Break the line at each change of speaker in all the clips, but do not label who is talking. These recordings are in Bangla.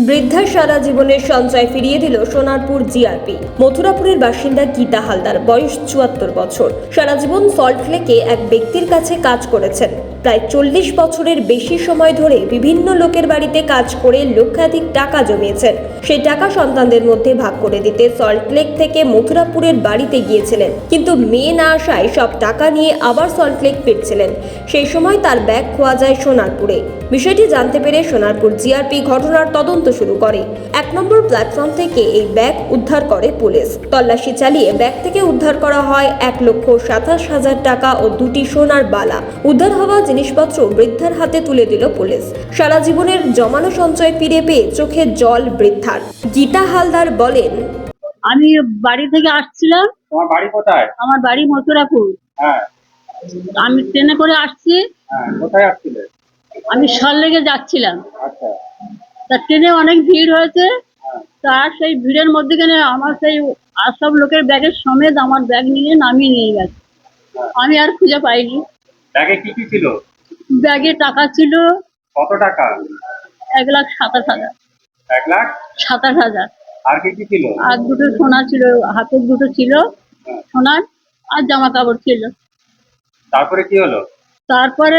বৃদ্ধার সারা জীবনের সঞ্চয় ফিরিয়ে দিল সোনারপুর জিআরপি। মথুরাপুরের বাসিন্দা গীতা হালদার, বয়স ৭৪ বছর। সারা জীবন সল্টলেকে এক ব্যক্তির কাছে কাজ করেছেন। প্রায় ৪০ বছরের বেশি সময় ধরে বিভিন্ন লোকের বাড়িতে কাজ করে লক্ষাধিক টাকা জমিয়েছেন। সেই টাকা সন্তানদের মধ্যে ভাগ করে দিতে সল্টলেক থেকে মথুরাপুরের বাড়িতে গিয়েছিলেন, কিন্তু মেয়ে না আসায় সব টাকা নিয়ে আবার সল্টলেক ফিরছিলেন। সেই সময় তার ব্যাগ খোয়া যায় সোনারপুরে। বিষয়টি জানতে পেরে সোনারপুর জিআরপি ঘটনার তদন্ত শুরু করে। ১ নম্বর প্ল্যাটফর্ম থেকে এই ব্যাগ উদ্ধার করে পুলিশ। তল্লাশি চালিয়ে ব্যাগ থেকে উদ্ধার করা হয় ১,২৭,০০০ টাকা ও ২টি সোনার বালা। উদ্ধার হওয়া জিনিসপত্র বৃদ্ধার হাতে তুলে দিল পুলিশ। সারা জীবনের জমানো সঞ্চয় ফিরে পেয়ে চোখে জল বৃদ্ধার। গীতা হালদার বলেন,
আমি বাড়ি থেকে আসছিলাম।
তোমার বাড়ি কোথায়?
আমার বাড়ি মথুরাপুর।
হ্যাঁ।
আমি ট্রেনে করে আসছি।
হ্যাঁ, কোথায় আসছিলে?
আমি সল্টলেকে যাচ্ছিলাম।
আচ্ছা।
তা ট্রেনে অনেক ভিড় হয়েছে।
হ্যাঁ।
তার সেই ভিড়ের মধ্যেখানে আমার সেই আর সব লোকের ব্যাগের সমেত আমার ব্যাগ নিয়ে নামিয়ে নিয়ে গেছে। আমি আর খুঁজে পাইনি।
ব্যাগে কি কি ছিল?
ব্যাগে টাকা ছিল
কত টাকা?
১,২৭,০০০।
১,২৭,০০০। আর কি কি ছিল?
আর দুটো সোনা ছিল, হাতের দুটো ছিল সোনার, আর জামা কাপড় ছিল।
তারপরে কি হলো?
তারপরে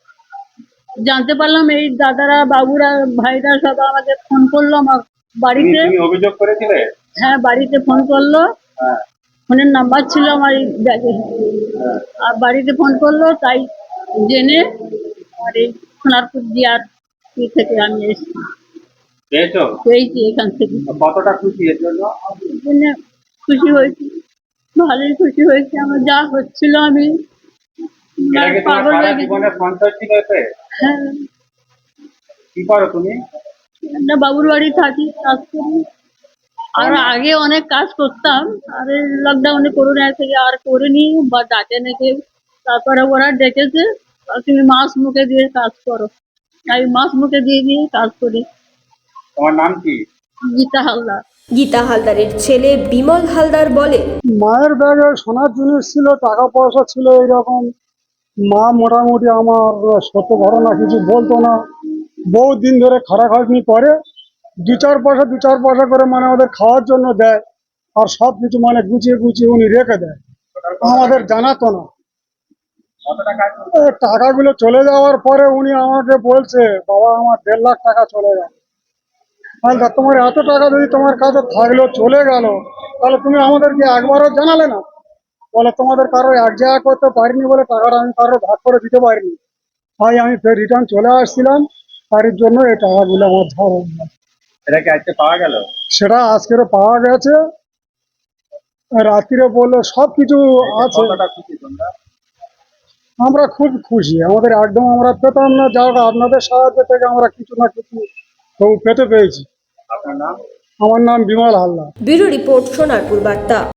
জানতে পারলাম এই দাদারা, বাবুরা, ভাইরা সব আমাকে ফোন করলো আমার বাড়িতে।
তুমি অভিযোগ করেছিলে?
হ্যাঁ, বাড়িতে ফোন করলো।
হ্যাঁ।
ফোনের নাম্বার ছিল আমার এই ব্যাগে। আর বাড়িতে ফোন করলো, তাই জেনে আর এই সোনারপুর জিআরপি থেকে আমি এসেছি,
পেয়েছো?
পেয়েছি এখান থেকে।
কতটা খুশি এর জন্য?
এই জন্য খুশি হয়েছি, ভালোই খুশি হয়েছি। আমার যা হচ্ছিল আমি
এটা কি তোমার
পাগল
সারা
হয়ে গেছি।
জীবনের সঞ্চয় ছিল এতে?
হ্যাঁ,
কি করো তুমি?
একটা বাবুর বাড়ি থাকি, কাজ করি। আর আগে অনেক কাজ করতাম, আর এই লকডাউনে করোনা থেকে আর করিনি, বা ডাকে নাকি। তারপরে ওরা ডেকেছে, আর তুমি মাছ মুখে দিয়ে কাজ করো। আমি মাছ মুখে দিয়ে দিয়ে কাজ করি।
তোমার নাম কি?
গীতা হালদার।
গীতা হালদারের ছেলে বিমল হালদার বলেন,
মায়ের ব্যাগে সোনার জিনিস ছিল, টাকা পয়সা ছিল এইরকম। মা মোটামুটি আমার সত্য ঘটনা কিছু বলতো না, বহু দিন ধরে খাটাখাটনি করে দু চার পয়সা করে মানে ওদের খাওয়ার জন্য দেয়, আর সব কিছু মানে গুছিয়ে গুছিয়ে উনি রেখে দেয়, আমাদের জানাতো না।
কত টাকা?
টাকাগুলো চলে যাওয়ার পরে উনি আমাকে বলছে, বাবা আমার 1.5 লাখ টাকা চলে গেল। তাহলে তোমার এত টাকা যদি তোমার কাছে থাকলো, চলে গেল, তাহলে তুমি আমাদেরকে একবারও জানালে না? বলে তোমাদের কারো এক জায়গা করতে পারিনি বলে টাকাটা আমি কারো ভাগ করে দিতে পারিনি, তাই আমি ফের রিটার্ন চলে আসছিলাম, তার জন্য এই টাকাগুলো আমার ধার হয়ে গেছে।
এটা কি আজকে পাওয়া গেল?
সেটা আজকেরও পাওয়া গেছে। রাত্রিরে বললো সব কিছু আছে।
কতটা খুশি তোমরা?
আমরা খুব খুশি, আমাদের একদম আমরা পেতাম না, যা হোক আপনাদের সাহায্য থেকে আমরা কিছু না কিছু তবু পেতে পেয়েছি।
আপনার নাম?
আমার নাম বিমল হালদার।
ব্যুরো রিপোর্ট, সোনারপুর বার্তা।